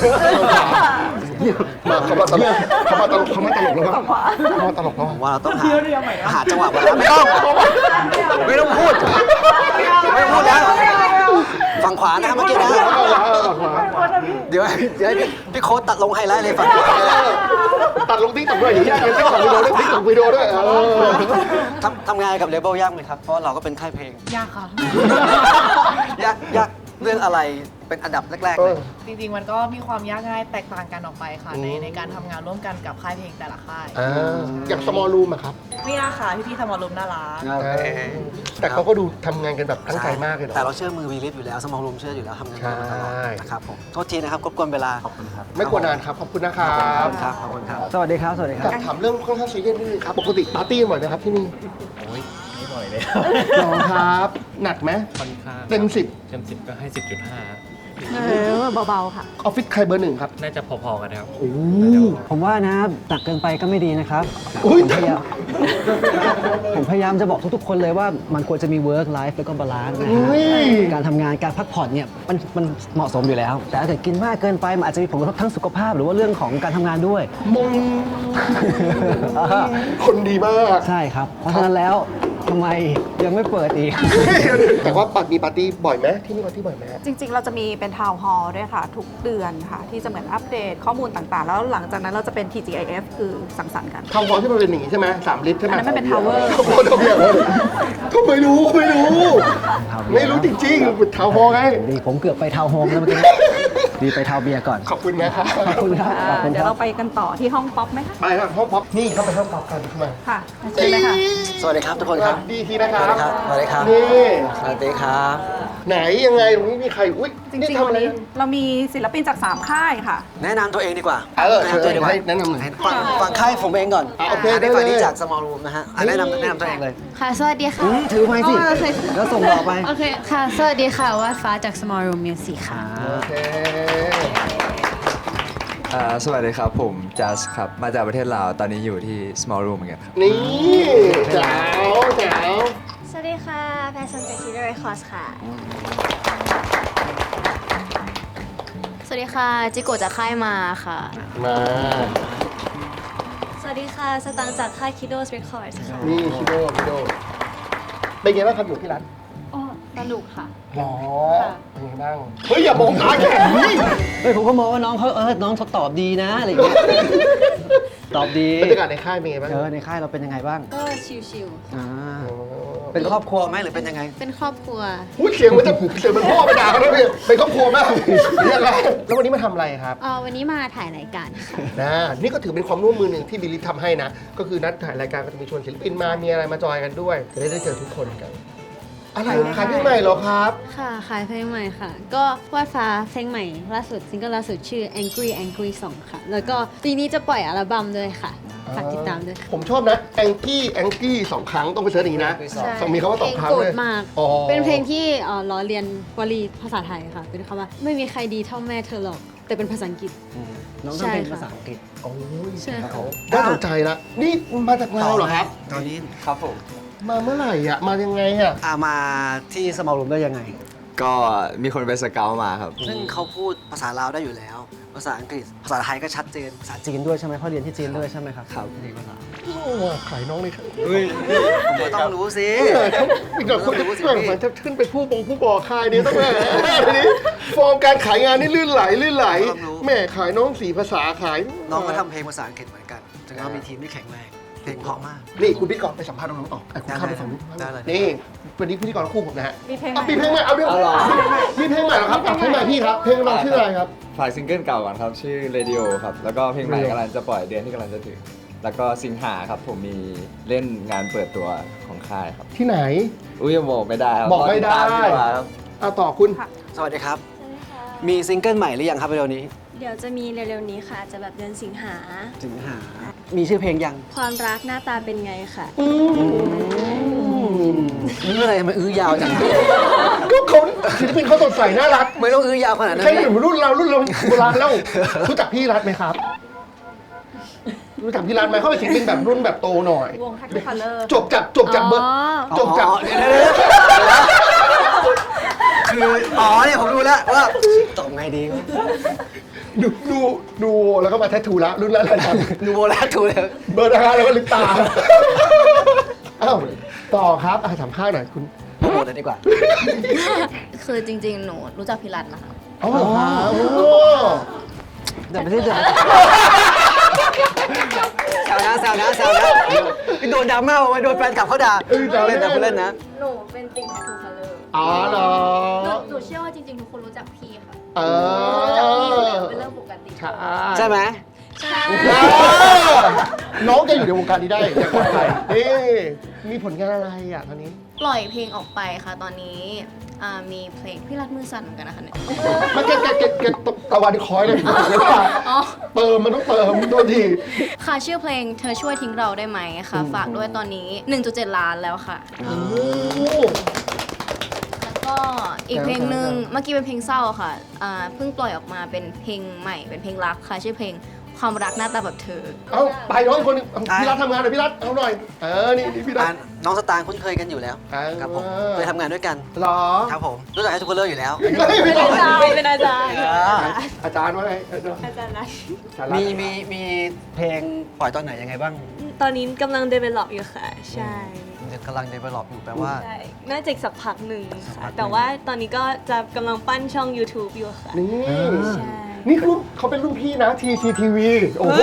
Speaker 3: มาเขามาตลกเขามาตลกเขามาตลกแล้วครับเขามาตลกแล้ว
Speaker 1: ผมว่าเราต้องหาหาจังหวะบาลานซ์ไม่ต้องไม่ต้องพูดไม่ต้องพูดแล้วฝั่งขวานะเมื่อกี้นะเดี๋ยวเดี๋ยวพี่โค้ดตัดลงไฮไลท์เลยฝั่งขวา
Speaker 3: ตัดลงติ๊กต็อกด้วยอย่างเงี้ยติ๊กต็อกวิดีโอด้วยติ๊กต็อกวิดีโอด้วยเออ
Speaker 1: ทำทำงานกับเลเบลยากไหมครับเพราะเราก็เป็นค่ายเพลง
Speaker 5: ยากค่ะ
Speaker 1: ยากยากเรื่องอะไรเป็นอันดับแรกๆเลย
Speaker 7: จริงๆ มันก็มีความยากง่ายแตกต่างกันออกไปค่ะ ใน
Speaker 3: อืม
Speaker 7: ในการทำงานร่วมกันกับค่ายเพลงแต่ละค่าย
Speaker 3: อ่าอย่าง small room อะครับ
Speaker 7: ไม่ยากค่ะพี่พี่ๆทำมารุมน่ารัก
Speaker 3: แต่เขาก็ดูทำงานกันแบบตั้งใจมากเลยเนาะ
Speaker 1: แต่เราเชื่อมือวีลิฟอยู่แล้วสมองลมเชื่ออยู่แล้วทำงานกันมาตลอด
Speaker 3: ใช่
Speaker 1: นะครับผมโทษทีนะครับกวนเวลา
Speaker 4: ขอบคุณครับ
Speaker 3: ไม่ควรนานครับ ขอบคุณนะครั
Speaker 1: ขอบบ คุณครับขอบคุณครับสวัสดีครับสวัสดีค
Speaker 3: อ
Speaker 1: รับ
Speaker 3: ยากถามเรื่องค่อนข้างซีเรียสนิดนึงครับ ปกติปาร์ตี้กันบ่อยไหมครับที่นี่
Speaker 8: โอ้ยไม่บ่อยเลย
Speaker 3: หรอครับ หนักไหม
Speaker 8: ค่อนข้าง
Speaker 3: เต็มสิบ
Speaker 8: เต็มสิบก็ให้สิบจุดห้า
Speaker 5: เออเบาๆค่ะ
Speaker 3: ออฟฟิศใครเบอร์หนึ่งครับ
Speaker 8: น่าจะพอๆกันนะครับ
Speaker 3: โอ้
Speaker 1: ผมว่านะหนักเกินไปก็ไม่ดีนะครับ
Speaker 3: โอ้ย
Speaker 1: ผมพยายามผมพยายามจะบอกทุกๆ คนเลยว่ามันควรจะมี work life แล้วก็ balance นะฮะ
Speaker 3: อุ้ย
Speaker 1: การทำงานการพักผ่อนเนี่ยมันมันเหมาะสมอยู่แล้ว แต่ถ้าเกิดกินมากเกินไปมันอาจจะมีผลกระทบทั้งสุขภาพหรือว่าเรื่องของการทำงานด้วย
Speaker 3: มงคนดีมาก
Speaker 1: ใช่ครับ เพราะฉะนั้นแล้วทำไมยังไม่เปิดอีก
Speaker 3: แต่ว่าปัดมีปาร์ตี้บ่อยไหมที่นี่ปาร์ตี้บ่อยไหม
Speaker 5: จริงๆ เราจะมีเป็นทาวน์ฮอลล์ด้วยค่ะ ทุกเดือนค่ะ ที่จะเหมือนอัปเดตข้อมูลต่างๆ แล้วหลังจากนั้นเราจะเป็น ที จี ไอ เอฟ คือสังสรรค์กัน
Speaker 3: ทาวน์ฮอลล์ที่มันเป็นอย่างนี้ใช่ไหมสามลิฟต์ใช่ไหม
Speaker 5: อันนั้นมันเป็น tower
Speaker 3: โอ้โหทำไมอย่างนั้นก็ไม่รู้ไม่รู้ ไม่รู้จริงๆเป็นทาวน์ฮอลล์ไง
Speaker 1: ดีผมเกือบไปทาวน์โฮมแล้วเมื่อกี้ ดีไปทาวน์เบียร์ก่อน
Speaker 3: ขอบคุณนะครับ
Speaker 1: ขอบคุณครับขอบคุณ
Speaker 5: เดี๋
Speaker 1: ค
Speaker 5: ยว
Speaker 1: รั
Speaker 5: เรา
Speaker 1: บ
Speaker 5: ไปกันต่อที่ห้องป๊อปไหมคะ
Speaker 3: ไปครับห้องป๊อปนี่เข้าไปห้องป๊อปกันมา
Speaker 5: ค่ะเชิญเลยค่ะ
Speaker 1: สวัสดีครับทุกคน
Speaker 3: ส
Speaker 1: ค
Speaker 3: วั
Speaker 1: รับ
Speaker 3: สดีทีนะค
Speaker 1: ส
Speaker 3: รั
Speaker 1: วัส
Speaker 3: บ
Speaker 1: ดีครับ สวัสดีครับ
Speaker 3: นี่
Speaker 1: สวัสดีครับ
Speaker 3: ไหนยังไงตรงนี้มีใครอุ้ย
Speaker 5: จริง
Speaker 3: นี่
Speaker 5: ๆ
Speaker 3: ทำ
Speaker 5: วั
Speaker 3: อะ
Speaker 5: น
Speaker 3: ไร
Speaker 5: นี้เรามีศิลปินจากสามค่ายค่ะ
Speaker 1: แนะนำตัวเองดีกว่า
Speaker 3: เออ
Speaker 1: แนะนำตัวเองดีกว่า
Speaker 3: ให้แนะนำหน่อย
Speaker 1: ฝั่งฝั่งค่ายผมเองก่อน
Speaker 3: อ่ะโอเค
Speaker 1: อันนี้
Speaker 3: ได้เลย
Speaker 1: ฝั่งนี้จาก small room นะฮะอ่ะแนะนำแนะนำตัวเองเลย
Speaker 2: ค่ะ สวัสดีค่ะ
Speaker 1: อืมถือไม้สิ
Speaker 2: อ๋อโอเค
Speaker 1: แล้วส่งต่อไป
Speaker 2: โอเค ค่ะ สวัสดีค่ะว่าฟ้าจาก Small Room Music ค่ะ
Speaker 3: โอเค
Speaker 9: อ่าสวัสดีครับ ผมจัสครับ มาจากประเทศลาว ตอนนี้อยู่ที่ small room เหมือนกันครับ
Speaker 3: นี่แจ๋วแจ๋ว
Speaker 2: สวัสดีค่ะ แพรซันจาก Killer Records ค่ะ สวัสดีค่ะ จิโกะจากค่ายมาค่ะ
Speaker 3: มา
Speaker 2: สวัสดีค่ะ สตังค์จากค่าย Kidos Records ค่ะ
Speaker 3: นี่คิโดคิโดเป็นไงบ้างครับอยู่ที่ร้าน
Speaker 2: อ๋อสนุกค่ะ
Speaker 3: หรอเป็นไงบ้างเฮ้ยอย่ามองตาแข็งนี่
Speaker 1: เฮ้ยผมก็มองว่าน้องเขาเออ น้องเขาตอบดีนะอะไรอย่างเงี้ย ตอบดี
Speaker 3: บรรยากาศในค่ายเป็นไงบ้าง
Speaker 1: เออในค่ายเราเป็นยังไงบ้าง
Speaker 2: ก็ชิล
Speaker 1: อ่า
Speaker 3: โอ้
Speaker 1: เป็นครอบครัวไหมหรือเป็นยังไง
Speaker 2: ๆ เป็นครอบครัว
Speaker 3: พูดเสียงมันจะเสียงมันพ่อไปด่าเขาแล้วเนี่ยเป็นครอบครัวมากยังไงแล้ววันนี้มาทำอะไรครับ
Speaker 2: เอ่อวันนี้มาถ่ายรายการค่ะ
Speaker 3: นะนี่ก็ถือเป็นความร่วมมือหนึ่งที่บิลลี่ทำให้นะ ก็คือนัดถ่ายรายการก็จะมีชวนศิลปินมามีอะไรมาจอยกันด้วย จะได้ได้เจอทุกคนกัน อะไรขายเพลงใหม่เหรอครับ
Speaker 2: ค่ะ ขายเพลงใหม่ค่ะ ก็วาดฟ้าเพลงใหม่ล่าสุดซิงเกิลล่าสุดชื่อ Angry Angry สองค่ะ แล้วก็ปีนี้จะปล่อยอัลบั้มด้วยค่ะ ฝากติดตามด้วยค่ะ
Speaker 3: ผมชอบนะแองกี้แองกี้สองครั้งต้องไปเสิร์ชอย่างนี้นะ
Speaker 1: ใช่
Speaker 3: สองมีคำว่าสองครั้ง
Speaker 2: เพลงโกร
Speaker 3: เล
Speaker 2: ธ
Speaker 3: ย
Speaker 2: มาก
Speaker 3: อ๋อ
Speaker 2: เป็นเพลงที่เอ่อล้อเลียนวลีภาษาไทยค่ะ เป็นคำว่าไม่มีใครดีเท่าแม่เธอหรอก แต่เป็นภาษาอังกฤษ
Speaker 1: อืมน้องทำเป็น
Speaker 2: ใช่ค่ะ
Speaker 1: ภาษาอังกฤษ
Speaker 3: โอ้ย
Speaker 2: ใช่ค่ะ
Speaker 3: น่าสนใจละนี่มาจากลาวเหรอครับ
Speaker 1: ตอนนี้
Speaker 9: ครับผม
Speaker 3: มาเมื่อไหร่อ่ะมายังไงอ่ะ
Speaker 1: อ่ามาที่ small room ได้ยังไง
Speaker 9: ก็มีคนไปสเกลมาครับ
Speaker 1: ซึ่งเขาพูดภาษาลาวได้อยู่แล้ว ภาษาอังกฤษ ภาษาไทยก็ชัดเจน ภาษาจีนด้วยใช่ไหมเพราะเรียนที่จีนด้วยใช่ไหมครับ ครับเรียนภาษา
Speaker 3: โอ้ขายน้องเลยครับ
Speaker 1: ผมก็ต้องรู้สิ
Speaker 3: อีกหน่อยคนจะ
Speaker 1: รู้สิ
Speaker 3: เหมือน
Speaker 1: พี่
Speaker 3: เหมือนจะขึ้นไปผู้บงผู้บอค่ายนี้ต้องมาทีนี้ฟอร์มการขายงานนี่ลื่นไหลลื่นไหลแม่ขายน้องสีภาษาขาย
Speaker 1: น้องก็ทำเพลงภาษาอังกฤษเหมือนกันถึงเขามีทีมที่แข็งแรง เพลงเพราะมาก
Speaker 3: นี่คุณพี่กรณ์ไปสัมภาษณ์น้องๆต่อไอ้คุณเข้าไปฝั่งนู้น
Speaker 1: ได้เลย
Speaker 3: นี่วันนี้พิธีกรคู่ผมนะฮะ
Speaker 5: มีเพลง
Speaker 3: อ่ะ
Speaker 5: ใหม่
Speaker 3: มีเพลงใหม่เอาเรื่องมีเพลงใหม่เหรอครับอ่ะเพลงใหม่พี่ครับเพลงน้องชื่ออะไรครับ
Speaker 9: ฝากซิงเกิลเก่าก่อนครับ ชื่อ Radio ครับ แล้วก็เพลงใหม่
Speaker 3: Radio
Speaker 9: กำลังจะปล่อยเดือนที่กำลังจะถึง แล้วก็สิงหาครับ ผมมีเล่นงานเปิดตัวของค่ายครับ
Speaker 3: ที่ไหน
Speaker 9: อุ้ยยังบอกไม่ได้ครับ
Speaker 3: บอกไม่ได้
Speaker 9: รติตามดีกว่าครับ
Speaker 3: เอาต่อคุณ
Speaker 1: สวัสดีครับ มีซิงเกิลใหม่หรือยังครับเร็วนี้
Speaker 10: เดี๋ยวจะมีเร็วๆนี้ค่ะ จะแบบเดือนสิงหา
Speaker 1: สิงหา มีชื่อเพลงยัง
Speaker 10: ความรักหน้าตาเป็นไงค่ะ
Speaker 1: อื้ออะไรมันอื้อยาวจัง
Speaker 3: ก็เขาศิลปินเขาสดใสน่ารัก
Speaker 1: ไม่ต้องอื้อยาวขนาดนั้น
Speaker 3: ใครอยู่รุ่นเรารุ่นเราโบราณแล้วรู้จักพี่รัฐไหมครับ รู้จักพี่รัฐไหมเขาเป็นศิลปินแบบรุ่นแบบโตหน่อย
Speaker 5: วง Happy Color
Speaker 3: จบจากจบจากเบอร์
Speaker 2: อ๋อ
Speaker 3: จบจาก
Speaker 1: อ๋อเดี๋ยวเดี๋ยวเดี๋ยวคือ อ๋อเนี่ยผมรู้แล้วว่าตอบไงดี
Speaker 3: ดูดูดูแล้วก็มาแททูละรุ่นละอะไรครับ
Speaker 1: นูโบแล้วถูกเลย
Speaker 3: เบอร์นะคะแล้วก็ลืมตาอ้าวต่อครับอ่ะสัมภาษณ์หน่อยคุณ
Speaker 1: โปรโมทเลยดีกว่า
Speaker 10: คือจริงๆ หนูรู้จักพี่รัตนะคะ
Speaker 3: อ๋อเหรอครับโอ้
Speaker 1: เดี๋ยวไปที่เดี๋ยวแซวนะแซวนะแซวนะโดนดราม่ามาโดนแฟนคลับเขาด่าเล่นนะคุณเล่นนะ
Speaker 10: หนูเป็นติ่งแททูคัลเลอร์
Speaker 3: อ๋อเหรอ
Speaker 10: หนูเชื่อว่าจริงๆ ทุกคนรู้จักพี่ค่ะ
Speaker 3: เอ
Speaker 10: รู้จักพี่อยู่แล้ว
Speaker 3: อ
Speaker 10: เป็นเรื่องปกติ
Speaker 3: ใช่
Speaker 1: ใช่ไหม
Speaker 10: ใช่
Speaker 3: เออน้องจะอยู่ในวงการนี้ได้อย่างปลอดภัยนี่มีผลงานอะไรอ่ะตอนนี้
Speaker 10: ปล่อยเพลงออกไปค่ะ ตอนนี้อ่ามีเพลงพี่รัตมือสั่นเหมือนกันนะคะเนี่ย
Speaker 3: มันเก็ตเก็ตเก็ตเก็ตตะวันคอยเลยเดี๋ยวก่อน
Speaker 10: อ๋อ
Speaker 3: เติมมันต้องเติมโทษที
Speaker 10: ค่ะชื่อเพลงเธอช่วยทิ้งเราได้ไหมค่ะ ฝากด้วยตอนนี้ หนึ่งจุดเจ็ด ล้านแล้วค่ะ
Speaker 3: โอ้
Speaker 10: แล้วก็อีกเพลงหนึ่งเมื่อกี้เป็นเพลงเศร้าค่ะอ่าเพิ่งปล่อยออกมาเป็นเพลงใหม่เป็นเพลงรักค่ะชื่อเพลงความรักหน้าตาแบบเธอ
Speaker 3: เอาไปน้องอีกคนหนึงเอาพี่รัฐทำงานหน่อยพี่รัฐเอาหน่อย เออ นี่นี่พี่รัฐ
Speaker 1: อ่าน้องสตางค์คุ้นเคยกันอยู่แล้ว
Speaker 3: เออ
Speaker 1: ครับผมเคยทำงานด้วยกัน
Speaker 3: เหรอ
Speaker 1: ครับผมรู้จักให้ทุกคนเลอร์อยู่แล้ว
Speaker 3: ไม่ไม่
Speaker 5: อาจารย์เป็นอาจารย์
Speaker 3: อาจารย์ว่าไงอาจารย์
Speaker 5: อาจารย์นะ
Speaker 3: อาจารย์
Speaker 1: มีมีมีเพลงปล่อยตอนไหนยังไงบ้าง
Speaker 10: ตอนนี้กำลัง develop อยู่ค่ะ ใช่
Speaker 1: เดยังกำลัง develop อยู่แปลว่า
Speaker 11: ใช่น่าจะอีกสักพักหนึ่ง
Speaker 1: สักพั
Speaker 11: ค่ะ
Speaker 1: กหนึ่ง
Speaker 11: แต่ว่าตอนนี้ก็จะกำลังปั้นช่อง YouTube อยู่ค่ะ
Speaker 3: นี่
Speaker 11: ใช่
Speaker 3: นี่คือเขาเป็นรุ่นพี่นะ ที ซี ที วี โอ้โห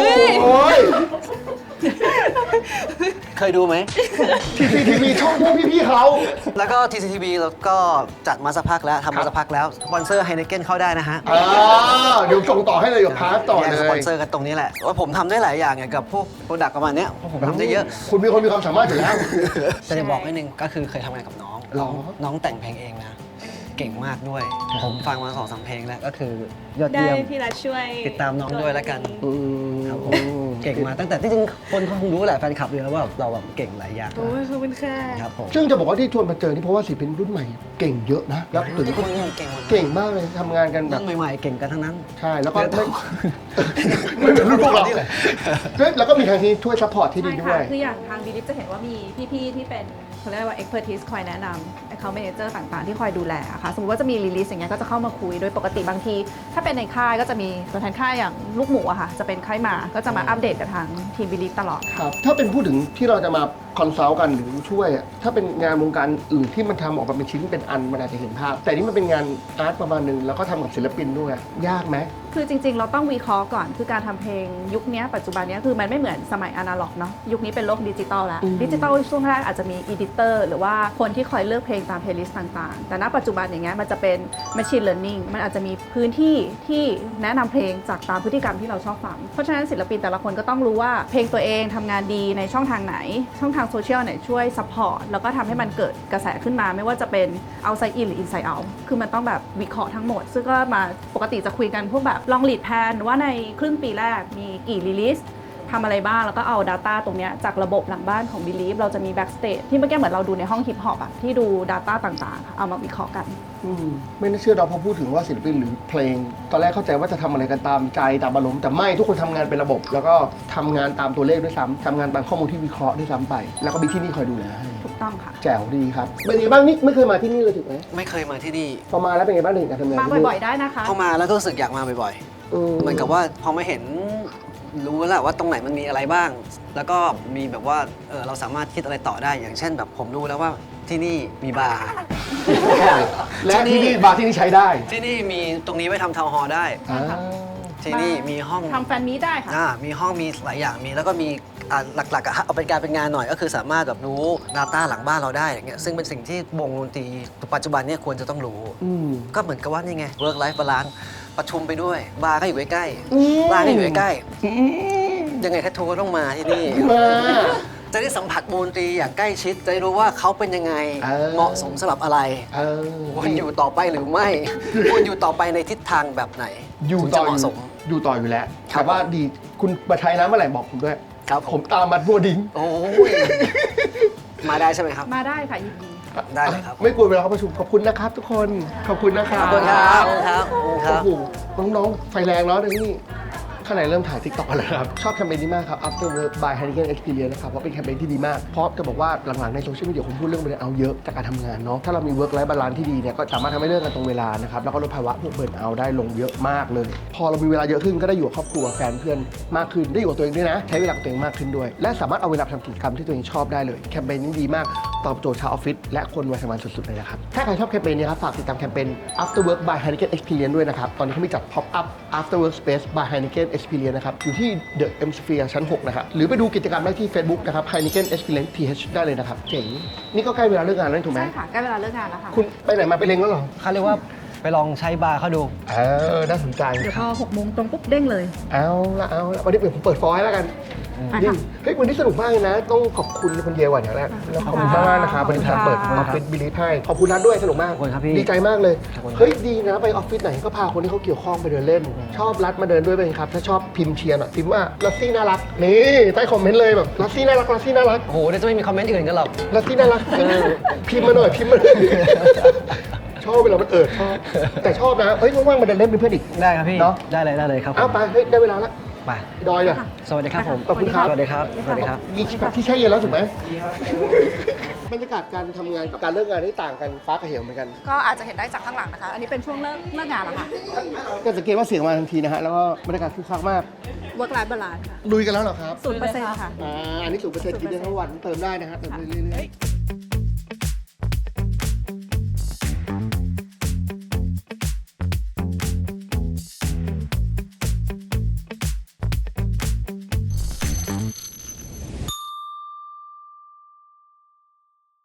Speaker 1: เคยดูไหม
Speaker 3: ที ซี ที วี ช่องพวกพี่ๆเขา
Speaker 1: แล้วก็ ที ซี ที วี แล้วก็จัดมาสักพักแล้วทำมาสักพักแล้วสปอนเซอร์ไฮเนเกนเข้าได้นะฮะ
Speaker 3: อ่าเดี๋ยวส่งต่อให้เลยเดี๋ยวพาร์ทต่อ
Speaker 1: แย่ง
Speaker 3: เล
Speaker 1: สปอน
Speaker 3: ย
Speaker 1: เซอร์กันตรงนี้แหละว่าผมทำได้หลายอย่างเกี่ยวกับพวกโปรดักต์ประมาณเนี้ยเพราะผมทำได้เยอะ
Speaker 3: คุณมีคนมีความสามารถอยู่แล้ว
Speaker 1: แต่จะบอกนิดนึงก็คือเคยทำงานกับน้อง
Speaker 3: หรอ
Speaker 1: น้องแต่งเพลงเองนะ เก่งมากด้วย ผมฟังมาสองสามเพลงแล้วก็คือยอด
Speaker 11: ได้
Speaker 1: เยี่ยม
Speaker 11: พี่รัฐช่วย
Speaker 1: ติดตามน้องด้วยแล้วกัน
Speaker 3: อืม
Speaker 1: ครับผมเก่งมาตั้งแต่ที่จริงคนเขาคงรู้แหละแฟนคลับเลยว่าเราแบบเก่งหลายอย่าง
Speaker 11: โอ้ยขอบคุณค่ะ
Speaker 1: ครับผม
Speaker 3: ซึ่งจะบอกว่าที่ชวนมาเจอนี่เพราะว่าศิลปินรุ่นใหม่เก่งเยอะนะ แล้วถึง
Speaker 1: ทุกคนเก่งหมด
Speaker 3: เก่งมากเลยทำงานกันแบบ
Speaker 1: รุ่นใหม่ๆเก่งกันทั้งนั้น
Speaker 3: ใช่ แล้วก็ไม่ไม่เหมือนรุ่นพวกเราเฮ้ยแล้วก็มีทางที่ช่วยซัพพอร์ตที่ดี
Speaker 5: ใช่
Speaker 3: ด้ว
Speaker 5: ค่ะ
Speaker 3: ย
Speaker 5: คืออย่างทางบิลิฟจะเห็นว่ามีพี่ๆที่เป็นเขาเรียกว่า expertise คอยแนะนำ account manager ต่างๆ ที่คอยดูแลอะค่ะสมมติว่าจะมี release อย่างเงี้ยก็จะเข้ามาคุยโดยปกติบางที ถ้าเป็นในค่ายก็จะมีตัวแทนค่ายอย่างลูกหมูอะค่ะจะเป็นค่ายมาก็จะมาอัปเดตกับทางทีมบิลิฟตลอด
Speaker 3: ครับ ถ้าเป็นพูดถึงที่เราจะมาคอนซัลท์กันหรือช่วยอะถ้าเป็นงานวงการอื่นที่มันทำออกมาเป็นชิ้นเป็นอันมันอาจจะเห็นภาพ แต่นี่มันเป็นงานอาร์ตประมาณหนึงแล้วก็ทำกับศิลปินด้วย ยากไหม
Speaker 5: คือจริงๆ เราต้องวิเคราะห์ก่อน คือการทำเพลงยุคนี้ปัจจุบันนี้คือมันไม่เหมือนสมัยอนาล็อกเนาะยุคนี้เป็นโลกดิจิตอลแล้ว
Speaker 3: อืม
Speaker 5: ดิจิตอลช่วงแรกอาจจะมีอีดิเตอร์หรือว่าคนที่คอยเลือกเพลงตามเพลย์ลิสต์ต่างๆ แต่ณปัจจุบันอย่างเงี้ยมันจะเป็น Machine Learning มันอาจจะมีพื้นที่ที่แนะนำเพลงจากตามพฤติกรรมที่เราชอบฟัง เพราะฉะนั้นศิลปินแต่ละคนก็ต้องรู้ว่าเพลงตัวเองทำงานดีในช่องทางไหน ช่องทางโซเชียลไหนช่วยซัพพอร์ตแล้วก็ทำให้มันเกิดกระแสขึ้นมาไม่ว่าจะเป็น outside in หรือ inside out คือมันต้องแบบวิเคราะห์ทั้งหมด ซึ่งก็มาปกติจะคุยกันพวกแบบลองลีดแพนว่าในครึ่งปีแรกมีกี่รีลิสทำอะไรบ้างแล้วก็เอา Data ตรงเนี้ยจากระบบหลังบ้านของ Believe เราจะมี Backstage ที่เมื่อกี้เหมือนเราดูในห้องฮิปฮอปอะที่ดู Data ต่างๆค่ะเอามาวิเคราะห์กัน
Speaker 3: อืมไม่น่าเชื่อเราพอพูดถึงว่าศิลปินหรือเพลง ตอนแรกเข้าใจว่าจะทำอะไรกันตามใจตามอารมณ์แต่ไม่ทุกคนทำงานเป็นระบบ แล้วก็ทำงานตามตัวเลขด้วยซ้ำทำงานตามข้อมูลที่วิเคราะห์ด้วยซ้ำไป แล้วก็มีที่นี่คอยดูแลให้
Speaker 5: ถูกต้องค่ะ
Speaker 3: แจ๋วดีครับเป็นไงบ้างนี่ไม่เคยมาที่นี่เลยถูกไหม
Speaker 1: ไม่เคยมาที่นี่
Speaker 3: พอมาแล้วเป็นไงบ้างในการทำงาน
Speaker 5: มา
Speaker 3: ที่นี่
Speaker 5: บ่อยๆได้นะคะ
Speaker 1: เข้ามาแล้วก็รู้สึกอยากมาบ่อย
Speaker 3: อื
Speaker 1: ๆเหมือนกับว่าพอมาเห็นรู้แล้วว่าตรงไหนมันมีอะไรบ้าง แล้วก็มีแบบว่าเออเราสามารถคิดอะไรต่อได้อย่างเช่นแบบผมรู้แล้วว่าที่นี่มีบาร์
Speaker 3: และที่นี่บาร์ที่นี่ใช้ได้
Speaker 1: ที่นี่มีตรงนี้ไว้ทำทาวน์ฮอลล์ได้
Speaker 3: อ่า
Speaker 1: ที่นี่มีห้อง
Speaker 5: ทำแฟนมีตได้ค่ะ
Speaker 1: อ่ามีห้องมีหลายอย่างมีแล้วก็มีอ่าหลักๆอะเอาเป็นการเป็นงานหน่อยก็คือสามารถแบบรู้ Data หลังบ้านเราได้อย่างเงี้ยซึ่งเป็นสิ่งที่วงดนตรีปัจจุบันเนี่ยควรจะต้องรู้
Speaker 3: อืม
Speaker 1: ก็เหมือนกับว่านี่ไง work life balance ประชุมไปด้วย บาร์ก็อยู่ใกล้
Speaker 3: อืม
Speaker 1: ๆร้านก็อยู่ใกล้
Speaker 3: อืม
Speaker 1: ๆยังไงแททูก็ต้องมาที่นี่
Speaker 3: มา
Speaker 1: จะได้สัมผัสวงดนตรีอย่างใกล้ชิด จะได้รู้ว่าเขาเป็นยังไง
Speaker 3: เออ
Speaker 1: เหมาะสมสำหรับอะไร
Speaker 3: เออ
Speaker 1: ควรอยู่ต่อไปหรือไม่ ควรอยู่ต่อไปในทิศทางแบบไหน
Speaker 3: อยู่
Speaker 1: ถึง
Speaker 3: ต่
Speaker 1: จะ
Speaker 3: อ
Speaker 1: เห
Speaker 3: อ
Speaker 1: มาะส
Speaker 3: ยู่
Speaker 1: ม
Speaker 3: อยู่ต่ออยู่แล้ว
Speaker 1: ครับ
Speaker 3: แต่ว่าดีคุณมาใช้น้ำเมื่อไหร่บอกผมด้วย
Speaker 1: ครับผ
Speaker 3: ผม มตามมาบัวดิ้ง
Speaker 1: โอ้ยมาได้ใช่ไหมครับ
Speaker 5: มาได้ค่ะยินดี
Speaker 1: ได้เลยครับ
Speaker 3: ไม่กลัวเวลาเขาประชุมขอบคุณนะครับทุกคน ขอบคุณนะครับ
Speaker 1: ขอบคุณครับขอบคุณครับขอบคุณครับ
Speaker 3: โอ้โหน้องๆ ไฟแรงเนาะเดี๋ยวนี้ข้างในเริ่มถ่าย TikTok กันแล้วครับ ชอบแคมเปญนี้มากครับ After Work by Heineken Experience นะครับ เพราะเป็นแคมเปญที่ดีมาก เพราะจะบอกว่าหลังๆในโซเชียลมีเดียผมพูดเรื่องเบรนเอาเยอะจากการทำงานเนาะถ้าเรามี Work Life Balance ที่ดีเนี่ยก็สามารถทำให้เลิกกันตรงเวลานะครับแล้วก็ลดภาวะพวกเบิร์นเอาได้ลงเยอะมากเลย พอเรามีเวลาเยอะขึ้นก็ได้อยู่กับครอบครัวแฟนเพื่อนมากขึ้นได้อยู่กับตัวเองด้วยนะใช้เวลากับตัวเองมากขึ้นด้วยและสามารถเอาเวลาไปทำกิจกรรมที่ตัวเองชอบได้เลยแคมเปญนี้ดีมากตอบโจทย์ชาวออฟฟิศและคนวัยทำงานสุดๆเลยนะครับถ้าใครชอบแคมเปญนี้ครับฝากติดตามแคมเปญ After Work by Heineken Experience ด้วยนะครับตอนนี้เขามีจัด Pop Up After Work Space by Heineken Experience นะครับอยู่ที่ The M Sphere ชั้นหกนะครับหรือไปดูกิจกรรมได้ที่ Facebook นะครับ Heineken Experience ที เอช ได้เลยนะครับเจ๋งนี่ก็ใกล้เวลาเลิกงานแล้วถูกไหม
Speaker 5: ใช่ค่ะใกล้เวลาเลิกงานแล้วค่ะ
Speaker 3: คุณไปไหนมาไปเล็งแล้วเหรอ
Speaker 1: เขาเรียกว่าไปลองใช้บาร์เขาดู
Speaker 3: เออน่าสนใจ
Speaker 5: เดี๋ยวพอหกโมงตรงปุ๊บเด้งเลย
Speaker 3: เอาละเอาละวันนี้ผมเปิดฟอยล์แล้วกัน
Speaker 5: อ่ะ
Speaker 3: นี่
Speaker 5: ค่ะ
Speaker 3: เฮ้ยวันนี้สนุกมากเลยนะ ต้องขอบคุณคุณเยวันอย่างแรกขอบคุณมากๆนะครับวันนี้ทางเปิดออฟฟิศบิลิฟให้ขอบคุณนัทด้วยสนุกมาก
Speaker 1: ขอบคุณครับพี่
Speaker 3: ดีใจมากเลย
Speaker 1: ขอบคุณครับ
Speaker 3: เฮ้ยดีนะไปออฟฟิศไหนก็พาคนที่เขาเกี่ยวข้องไปเดินเล่น ชอบรัดมาเดินด้วยเป็นครับถ้าชอบพิมพ์เชียร์หน่อยพิมพ์ว่าลัสซี่น่ารักนี่ใต้คอมเมนต์เลยแบบลัสซี่น่ารักลัสซี่น่ารัก
Speaker 1: โอ้โหเดี๋ยวจะไม่มีคอมเมนต์อื่นกันหรอก
Speaker 3: ลัสซี่น่ารักเออพิมพ์มาหน่อยพิมพ์มาหน่อยชอบเวลามันเอิดชอบแต่ชอบนะเฮ้ยว่างๆมาเดินเล่นเป็นเพื่อนอีก
Speaker 1: ได้ครับพี่
Speaker 3: เนาะ
Speaker 1: ได้เลยได้เลยครับผม
Speaker 3: อ้าวไปเฮ้ยได้เวลาแล้ว
Speaker 1: ไป
Speaker 3: ดอยเนี่ย
Speaker 1: สวัสดีครับผม
Speaker 3: ขอบคุณครับ
Speaker 1: สวัสดีครับสวัสดีครับ
Speaker 3: มีที่แช่เย็นแล้วถูกไหมบรรยากาศการทำงานกับการเลิกงานที่ต่างกันฟ้ากับเหวเหมือนกัน
Speaker 5: ก็อาจจะเห็นได้จากข้างหลังนะคะ อันนี้เป็นช่วงเลิกเลิกงานแล้วค่ะ
Speaker 3: ก็สังเกตว่าเสียงมาทันทีนะฮะ แล้วก็บรรยากาศคึกคักมาก
Speaker 5: work life balance ค่ะ
Speaker 3: ลุยกันแล้วเหรอครับ
Speaker 5: ศูนย์เปอร์เซ็นต์ค่ะ
Speaker 3: อ่าอันนี้สูงเปอร์เซ็นต์กินได้ทั้งวันเติมได้นะฮะเติมได้เรื่อยๆ